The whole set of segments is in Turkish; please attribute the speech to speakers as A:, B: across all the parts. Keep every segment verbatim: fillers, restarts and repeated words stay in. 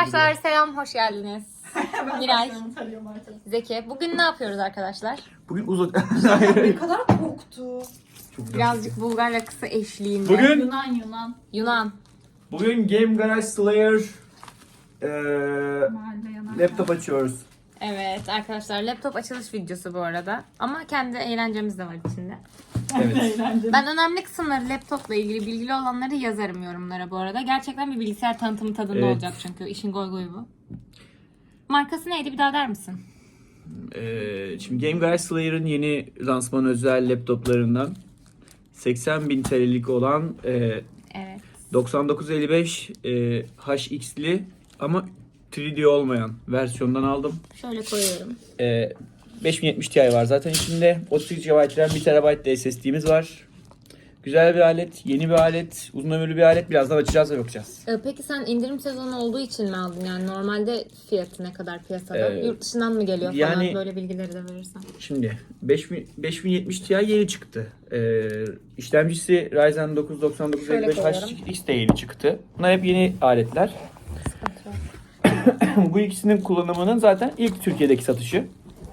A: Arkadaşlar selam, hoş geldiniz. Miray, Zeki. Bugün ne yapıyoruz arkadaşlar?
B: Bugün uzun...
C: Ne kadar korktu.
B: Çok
A: Birazcık Bulgar rakısı eşliğinde.
B: Bugün
C: Yunan Yunan.
A: Yunan.
B: bugün Game Garage Slayer eee
C: Mahalle yanar.
B: laptop açıyoruz.
A: Evet arkadaşlar, laptop açılış videosu bu arada. Ama kendi eğlencemiz de var içinde.
B: Evet.
C: Eğlenceli.
A: Ben önemli kısımları, laptopla ilgili bilgili olanları yazarım yorumlara bu arada. Gerçekten bir bilgisayar tanıtımı tadında
B: Evet.
A: olacak çünkü. İşin goy goyu bu. Markası neydi, bir daha der misin?
B: Eee, şimdi Game Garage Slayer'ın yeni lansman özel laptoplarından seksen bin T L'lik olan eee
A: Evet.
B: doksan dokuz elli beş eee, H X'li ama üç D olmayan versiyondan aldım.
A: Şöyle koyuyorum.
B: Eee beş bin yetmiş Ti var zaten içinde. otuz sekiz gigabayt RAM, bir terabayt de S S D'miz var. Güzel bir alet, yeni bir alet, uzun ömürlü bir alet. Birazdan açacağız ve bakacağız.
A: Ee, Peki sen indirim sezonu olduğu için mi aldın? Yani normalde fiyatı ne kadar piyasada?
B: Ee,
A: Yurt dışından mı geliyor falan?
B: yani-
A: Böyle bilgileri de verirsen.
B: Şimdi beş bin, beş bin yetmiş Ti yeni çıktı. Ee, işlemcisi Ryzen dokuz doksan dokuz elli beş
A: Şöyle
B: H
A: koyuyorum.
B: X de yeni çıktı. Bunlar hep yeni aletler.
A: Sıkıntı yok.
B: Bu ikisinin kullanımının zaten ilk Türkiye'deki satışı.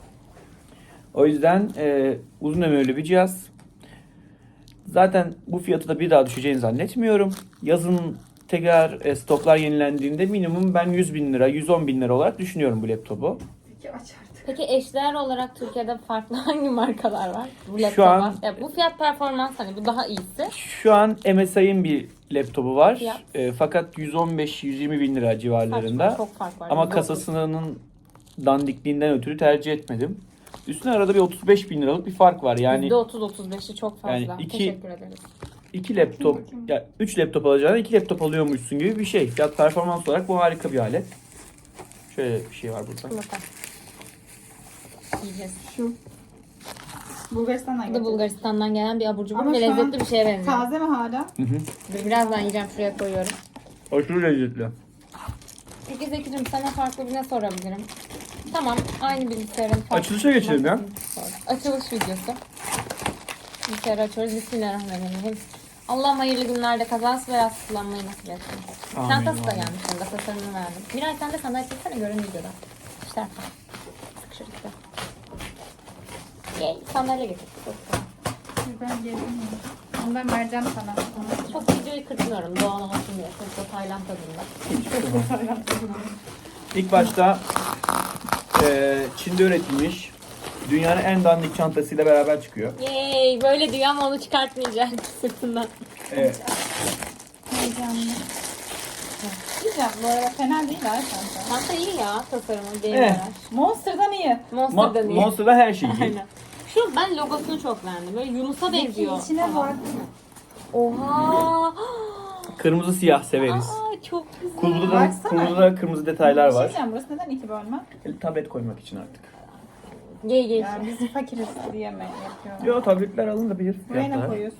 B: O yüzden e, uzun ömürlü bir cihaz. Zaten bu fiyatı da bir daha düşeceğini zannetmiyorum. Yazın tekrar e, stoklar yenilendiğinde minimum ben yüz bin lira, yüz on bin lira olarak düşünüyorum bu laptopu.
C: Peki aç artık.
A: Peki eşdeğer olarak Türkiye'de farklı hangi markalar var? Bu
B: Şu
A: laptopa.
B: an-
A: Ya bu fiyat performans, hani bu daha iyisi.
B: Şu an M S I'ın bir laptopu var.
A: Fiyat?
B: E, fakat yüz on beş yüz yirmi bin lira civarlarında.
A: Saçma, çok fark var.
B: Ama
A: Yüzde otuz.
B: kasasının dandikliğinden ötürü tercih etmedim. Üstüne arada bir otuz beş bin liralık bir fark var. Yani
A: yüzde otuz otuz beşi çok fazla.
B: Yani iki-
A: Teşekkür ederiz.
B: iki laptop,
C: bakayım.
B: ya üç laptop alacağına iki laptop alıyormuşsun gibi bir şey. Fiyat performans olarak bu harika bir alet. Şöyle bir şey var burada.
A: Bakalım. Yiyeceğiz.
C: Şu. Bulgaristan'dan
A: Bu da
C: getirdim.
A: Bulgaristan'dan gelen bir abur cubur
C: Ama
A: ve
C: şu an
A: lezzetli bir şeye benziyor.
C: Taze mi hala?
B: Hı hı.
A: Dur, birazdan yiyeceğim, şuraya koyuyorum.
B: Aşırı lezzetli.
A: Peki Zeki'cim, sana farklı bir ne sorabilirim? Tamam, aynı bilgisayarın farklı.
B: Açılışa geçelim ya.
A: Sor. Açılış videosu. Bilgisayarı açıyoruz. Bismillahirrahmanirrahim. Allah'ım hayırlı günlerde kazası beyaz kullanmayı nasip etsin.
B: Amin,
A: Çantası da
B: amin.
A: gelmiş orada, tasarımını verdim. Miray sen de sandalye çeksene, görün videoda. İşte arka. Sıkışır işte. Yay, sandalye getir. Çok güzel.
C: Ben geldim ya. Onu ben vereceğim sana.
A: Çok videoyu kırpmıyorum, doğal olsun diye. Çok da Tayland tadında.
B: İlk başta eee, Çin'de üretilmiş dünyanın en dandik çantasıyla beraber çıkıyor.
A: Yay, böyle diyor ama onu çıkartmayacak sırtından.
B: Evet.
C: Heyecanlı. Diyeceğim bu arada fena değil ha çanta.
A: Çanta iyi ya, tasarımı değil
B: Evet.
A: mi?
C: Monster'dan iyi.
A: Monster'dan
B: Mo-
A: iyi.
B: Monster'da her şey iyi.
A: Aynen. Şu, ben logosunu çok beğendim. Böyle Yunus'a benziyor.
C: İçine
A: falan.
C: var.
A: Oha!
B: Kırmızı siyah severiz.
A: Aa, çok güzel.
B: Kulbuda da,
C: Baksana.
B: kulbuda da kırmızı detaylar
C: Bir şey
B: var.
C: diyeceğim, burası neden iki bölme?
B: Tablet koymak için artık.
A: Gey gey.
C: Ya biz fakiriz diye mi yapıyorlar?
B: Yo, tabletler alınabilir.
C: Buraya ne
B: fiyatlar.
C: koyuyorsun?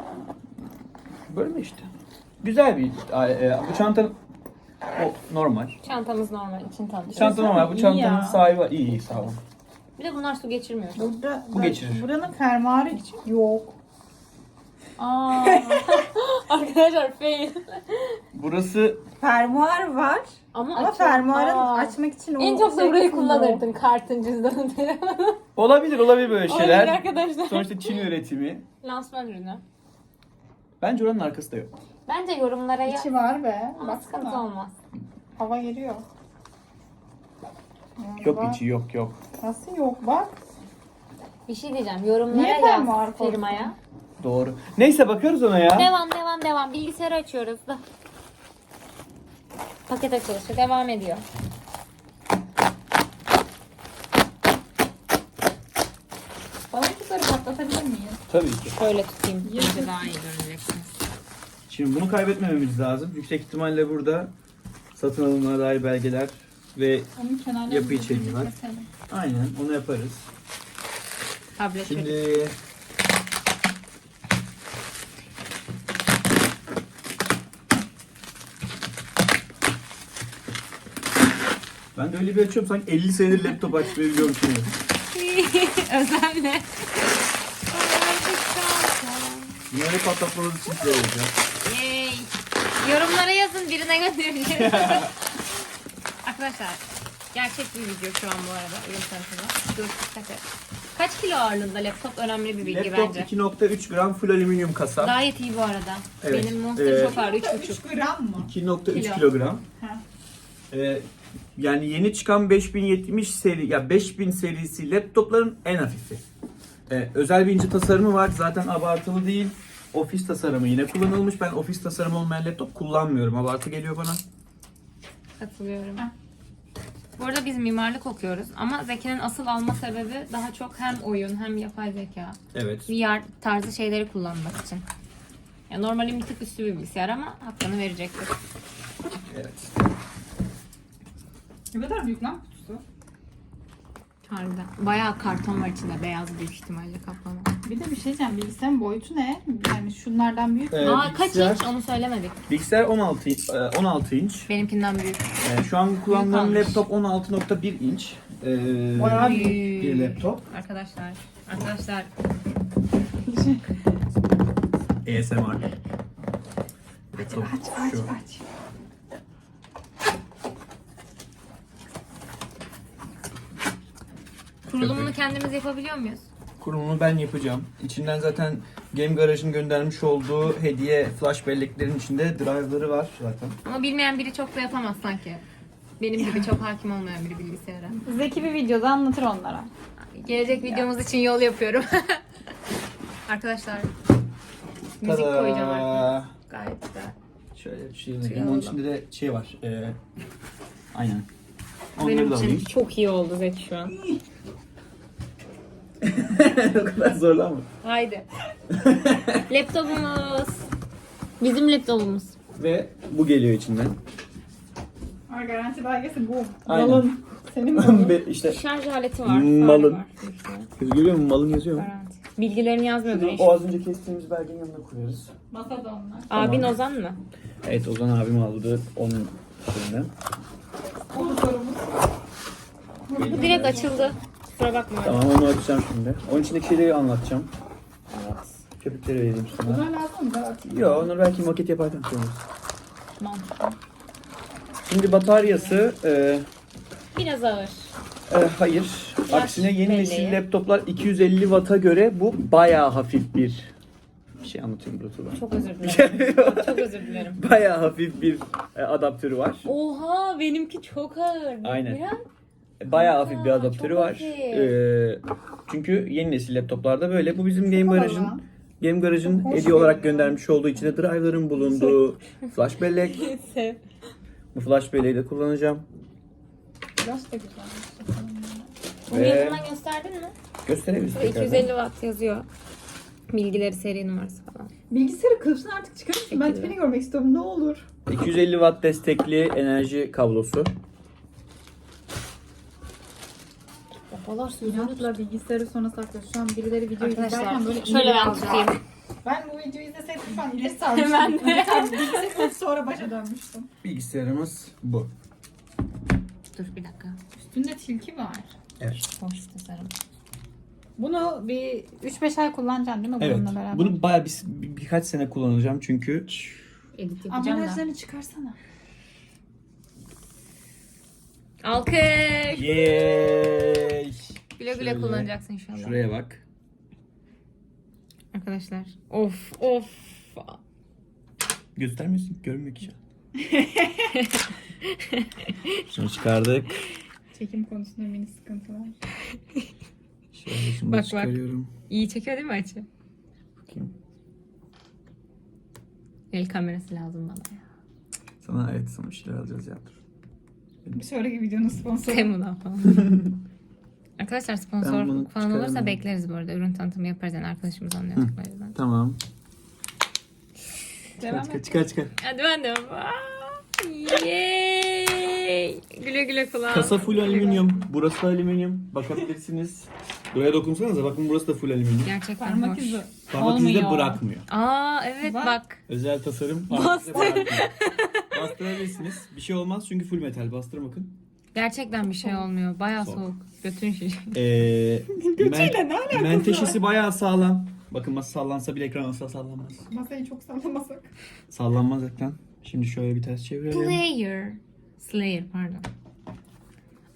B: Böyle işte. Güzel bir e, bu çantanın o normal.
A: Çantamız normal, için tanış.
B: Çanta normal. Bu
C: iyi
B: çantanın
C: ya.
B: sahibi var. İyi iyi sağ olun.
A: Bir de bunlar su geçirmiyor.
C: Burada,
B: Bu geçirir.
C: Buranın fermuarı için yok.
A: Aa. Arkadaşlar fail.
B: Burası
C: Fermuar var
A: Ama,
C: ama
A: açıyor.
C: fermuarı
A: Aa.
C: açmak için o
A: En çok da
C: şey
A: burayı
C: kısmı yok.
A: kullanırdın, kartın, cüzdanın, telefonun.
B: olabilir olabilir böyle
A: Olabilir
B: şeyler.
A: arkadaşlar.
B: Sonuçta Çin üretimi.
A: Lansman ürünü.
B: Bence oranın arkası da yok.
A: Bence yorumlara ya.
C: İçi var be.
A: Ama sıkıntı
C: Baksana.
A: olmaz.
C: Hava geliyor. Ya
B: Yok
C: bak.
B: içi yok yok.
C: Nasıl yok bak.
A: Bir şey diyeceğim. Yorumlara
C: Niye
A: yaz
C: fermuar koydun?
A: firmaya.
B: Doğru. Neyse bakıyoruz ona ya.
A: Devam devam devam. Bilgisayarı açıyoruz da. Paket açılışı devam ediyor.
C: Balıkçıkları patlatabilir miyiz?
B: Tabii ki.
A: Şöyle tutayım. Bence daha iyi göreceksiniz.
B: Şimdi bunu kaybetmememiz lazım. Yüksek ihtimalle burada satın alımına dair belgeler ve
C: Onun kenarlarını
B: Yapı içeriği var.
C: keselim.
B: aynen onu yaparız.
A: Tablet çocuk.
B: Şimdi ben de öyle bir açıyorum sanki elli senedir laptop açmayı biliyormuşum.
A: Özenle.
B: Bunları patlatmanız için size olacak.
A: Yay. Yorumlara yazın, birine göndereceğim. Arkadaşlar gerçek bir video şu an bu arada. Ürün tanıtımı. Dur dikkat et. Kaç kilo ağırlığında laptop önemli bir bilgi
B: Laptop
A: bence.
B: iki nokta üç gram full alüminyum kasa.
A: Gayet iyi bu arada.
B: Evet.
A: Benim Monster
B: Ee,
A: çok ağır üç buçuk.
C: üç gram mı?
B: iki nokta üç
A: Kilo.
B: kilogram.
C: Ha.
B: Ee, yani yeni çıkan beş bin yetmiş seri ya beş bin serisi laptopların en hafifi. Ee, özel bir ince tasarımı var. Zaten abartılı değil. Ofis tasarımı yine kullanılmış. Ben ofis tasarımı olmayan laptop kullanmıyorum. Abartı geliyor bana.
A: Katılıyorum.
C: Heh.
A: Bu arada biz mimarlık okuyoruz ama Zeki'nin asıl alma sebebi daha çok hem oyun hem yapay zeka.
B: Evet.
A: V R tarzı şeyleri kullanmak için. Ya normalin bir tık üstü bir bilgisayar ama hakkını verecektir.
B: Evet.
C: Ne kadar büyük lan kutusu?
A: Harbiden. Bayağı karton var içinde. Beyaz büyük ihtimalle kaplama.
C: Bir de bir şey diyeceğim. Bilgisayarın boyutu ne? Yani şunlardan büyük mü?
B: Ee,
A: Aa kaç
B: bilgisayar-
A: inç onu söylemedik.
B: Bilgisayar on altı e, on altı inç.
A: Benimkinden büyük.
B: Ee, şu an kullandığım
A: almış.
B: laptop on altı nokta bir inç. Ee,
C: Bayağı
A: büyük.
B: bir laptop.
A: Arkadaşlar. Arkadaşlar.
B: A S M R. Laptop
C: Aç aç
B: şu.
C: aç.
A: Kurulumunu kendimiz yapabiliyor muyuz?
B: Kurulumunu ben yapacağım. İçinden zaten Game Garage'ın göndermiş olduğu hediye flash belleklerin içinde drive'ları var zaten.
A: Ama bilmeyen biri çok da yapamaz sanki. Benim gibi çok hakim olmayan biri bilgisayara.
C: Zeki bir videoda anlatır onlara.
A: Gelecek videomuz için yol yapıyorum. Arkadaşlar. Müzik
B: Tada!
A: koyacağım artık. Gayet güzel.
B: Şöyle bir şey
A: Şey
B: yapayım. Onun
A: oldu.
B: içinde de şey var. Ee, aynen. Onları
A: Benim
B: da
A: için
B: alayım.
A: çok iyi oldu Zeki şu an.
B: O kadar zorlanma.
A: Haydi. Laptopumuz. Bizim laptopumuz.
B: Ve bu geliyor içinden.
C: Ama garanti belgesi bu.
B: Aynen.
C: Malın. Senin malın.
B: Ve işte
A: Şarj aleti var.
B: Malın.
A: fare var.
B: kız görüyor musun? Malın yazıyor mu?
A: Garanti. Bilgilerini yazmıyordur
B: Şunu
A: inşallah.
B: o az önce kestiğimiz belgenin yanına koyarız.
C: Masada onlar.
A: Abin
B: Tamam.
A: Ozan mı?
B: Evet, Ozan abim aldı onun şeyinden.
C: Onu sorumuz.
A: Bu direkt açıldı. Kusura bakma.
B: Tamam, onu açacağım şimdi. Onun içindeki şeyleri anlatacağım.
A: Evet.
B: Köpükleri vereyim sana.
C: Bunlar lazım mı? Ben atayım.
B: Yok, onları belki maket yaparken kullanırız.
A: Mantıklı.
B: Şimdi bataryası e,
A: Biraz ağır.
B: e, hayır.
A: Flash
B: Aksine yeni
A: belleği.
B: nesil laptoplar iki yüz elli watt'a göre bu bayağı hafif bir bir şey anlatıyorum Bluetooth'la.
A: Çok özür dilerim. Çok özür dilerim.
B: Bayağı hafif bir e, adaptörü var.
A: Oha benimki çok ağır.
B: Aynen.
A: Biraz
B: Bayağı hafif bir
A: Aa,
B: adaptörü
A: çok
B: var.
A: hafif.
B: Ee, çünkü yeni nesil laptoplarda böyle. Bu bizim Game Garage'ın
C: Havalı.
B: Game Garage'ın
C: Hoş
B: hediye olarak
C: geliyor.
B: göndermiş olduğu içinde driver'ın bulunduğu flash bellek.
A: sev.
B: Bu flash belleği de kullanacağım.
C: Biraz da güzel.
A: Bunu
B: Ve-
A: yakından gösterdin mi?
B: Gösterebiliriz
A: iki yüz
B: tekrardan.
A: elli watt yazıyor. Bilgileri, seri numarası falan.
C: Bilgisayarı kılıfını artık çıkarır mısın? Ben
A: Şekilde.
C: tipini görmek istiyorum. Ne olur.
B: iki yüz elli watt destekli enerji kablosu.
A: Babalar
C: İnatla bilgisayarı sonra saklıyor. Şu an birileri videoyu izlerken
A: Arkadaşlar
C: böyle
A: şöyle
C: ileri
A: ben
C: alacak.
A: tutayım.
C: Ben bu videoyu izleseydim şu an ileri sarmıştım.
A: Ben de.
C: Bilgisayarı sonra başa dönmüştüm.
B: Bilgisayarımız bu.
A: Dur bir dakika.
C: Üstünde tilki var.
B: Evet.
A: Hoş tasarım.
C: Bunu bir üç beş ay kullanacaksın değil mi
B: Evet.
C: bununla beraber?
B: Bunu bayağı bir, bir- birkaç sene kullanacağım çünkü
A: Edit yapacağım da.
C: ambalajlarını çıkarsana.
A: Alkış.
B: Yeeey.
A: Güle güle
B: Şöyle.
A: kullanacaksın inşallah.
B: Şuraya bak.
A: Arkadaşlar. Of of.
B: Göstermiyorsun, görünmüyor ki şu an. Şunu çıkardık.
C: Çekim konusunda mini sıkıntı var.
B: Şöyle şunu da
A: Bak, bak.
B: çıkarıyorum.
A: İyi çekiyor değil mi açı?
B: Bakayım.
A: El kamerası lazım bana ya.
B: Sana evet, sana bir şeyler alacağız ya. Dur.
C: Bir sonraki videonun sponsoru.
A: Temu'dan falan. Arkadaşlar
B: Ben
A: sponsor
B: bunu
A: falan olursa
B: çıkaramam.
A: bekleriz bu arada. Ürün tanıtımı yaparız yani arkadaşımız anlıyorduk o yüzden.
B: Tamam.
C: Devam
B: Çıkar
C: et.
B: çıkar çıkar.
A: Hadi ben de. Yay! Güle güle kulağım.
B: Kasa full alüminyum. Burası da alüminyum. Bakabilirsiniz. Buraya dokunsanıza, bakın burası da full alüminyum.
A: Gerçekten
C: Parmak
A: hoş.
C: izi.
B: Parmak izi de
C: Olmuyor.
B: bırakmıyor.
A: Aa evet
C: Bak.
A: bak.
B: Özel tasarım. Parmak izi de bırakmıyor. Bastırabilirsiniz. Bir şey olmaz çünkü full metal. Bastırın bakın.
A: Gerçekten bir şey olmuyor. Bayağı
B: Soğuk.
A: soğuk. Götün şişiyor.
B: Ee,
C: Götüyle ne alakası
B: menteşesi bayağı sağlam. Bakın masa sallansa bile ekran asla sallanmaz.
C: Masayı çok sallamasak.
B: Sallanmaz ekran. Şimdi şöyle bir ters çevirelim.
A: Player. Slayer pardon.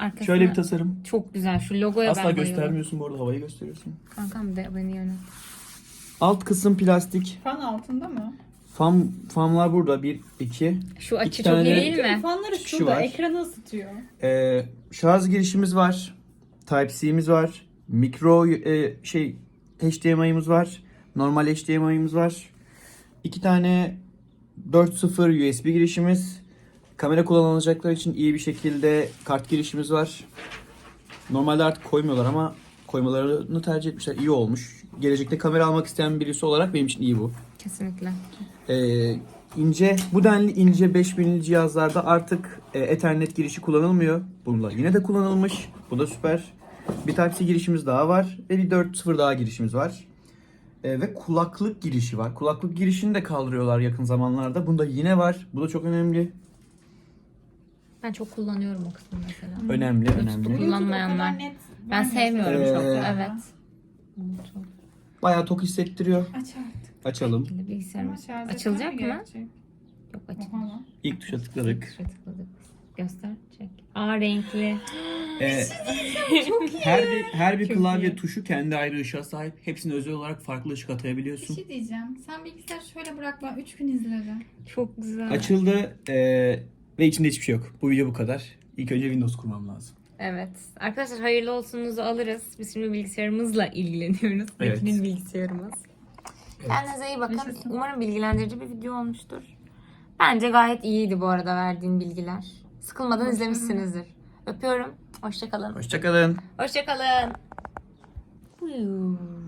A: Arkasına
B: Şöyle bir tasarım.
A: çok güzel. Şu logoya
B: Asla
A: ben bayılıyorum.
B: göstermiyorsun bu arada, havayı gösteriyorsun.
A: Kankam de beni yönet.
B: Alt kısım plastik.
C: Fan altında mı?
B: Fan, fanlar burada. Bir, iki.
A: Şu açı
B: İki
A: çok
B: tane-
A: iyi değil mi?
C: Fanları
B: Kişi
C: şurada.
B: var.
C: Ekranı ısıtıyor.
B: Ee, şarj girişimiz var. Type-C'miz var. Mikro e, şey H D M I'miz var. Normal H D M I'miz var. İki tane dört nokta sıfır U S B girişimiz. Kamera kullanılacaklar için iyi bir şekilde kart girişimiz var. Normalde artık koymuyorlar ama koymalarını tercih etmişler. İyi olmuş. Gelecekte kamera almak isteyen birisi olarak benim için iyi bu.
A: Kesinlikle.
B: Ee, ince, bu denli ince beş binli cihazlarda artık e, Ethernet girişi kullanılmıyor. Bunda yine de kullanılmış. Bu da süper. Bir Type-C girişimiz daha var ve bir dört nokta sıfır daha girişimiz var. E, ve kulaklık girişi var. Kulaklık girişini de kaldırıyorlar yakın zamanlarda. Bunda yine var. Bu da çok önemli.
A: Ben çok kullanıyorum o kısmı mesela.
B: Önemli, önemli.
A: Kullanmayanlar.
C: O kadar net
A: Ben sevmiyorum
B: Ee,
A: çok.
C: ya.
A: Evet. Çok.
B: Bayağı tok hissettiriyor.
C: Aç artık.
B: Açalım.
A: Şekilde bilgisayarımız
C: Ama şarj
A: açılacak
C: etmem
A: mı?
C: gerekecek.
A: Yok açılacak.
C: Oha lan.
B: İlk tuşa tıkladık.
A: Şuraya tıkladık. Göster. Çek. Aa renkli.
B: Ee, her bir her bir
A: Çok
B: klavye
A: iyi.
B: tuşu kendi ayrı ışığa sahip. Hepsine özel olarak farklı ışık
C: Bir
B: atayabiliyorsun.
C: şey diyeceğim. Sen bilgisayar şöyle bırak, ben üç gün izlerim.
A: Çok güzel.
B: Açıldı ee, ve içinde hiçbir şey yok. Bu video bu kadar. İlk önce Windows kurmam lazım.
A: Evet. Arkadaşlar hayırlı olsunuzu alırız. Biz şimdi bilgisayarımızla ilgileniyoruz.
B: Evet.
A: Metin'in bilgisayarımız. Kendinize iyi bakın.
C: Yaşasın.
A: Umarım bilgilendirici bir video olmuştur. Bence gayet iyiydi bu arada verdiğin bilgiler. Sıkılmadan izlemişsinizdir. Öpüyorum. Hoşça kalın.
B: Hoşçakalın.
A: Hoşça kalın.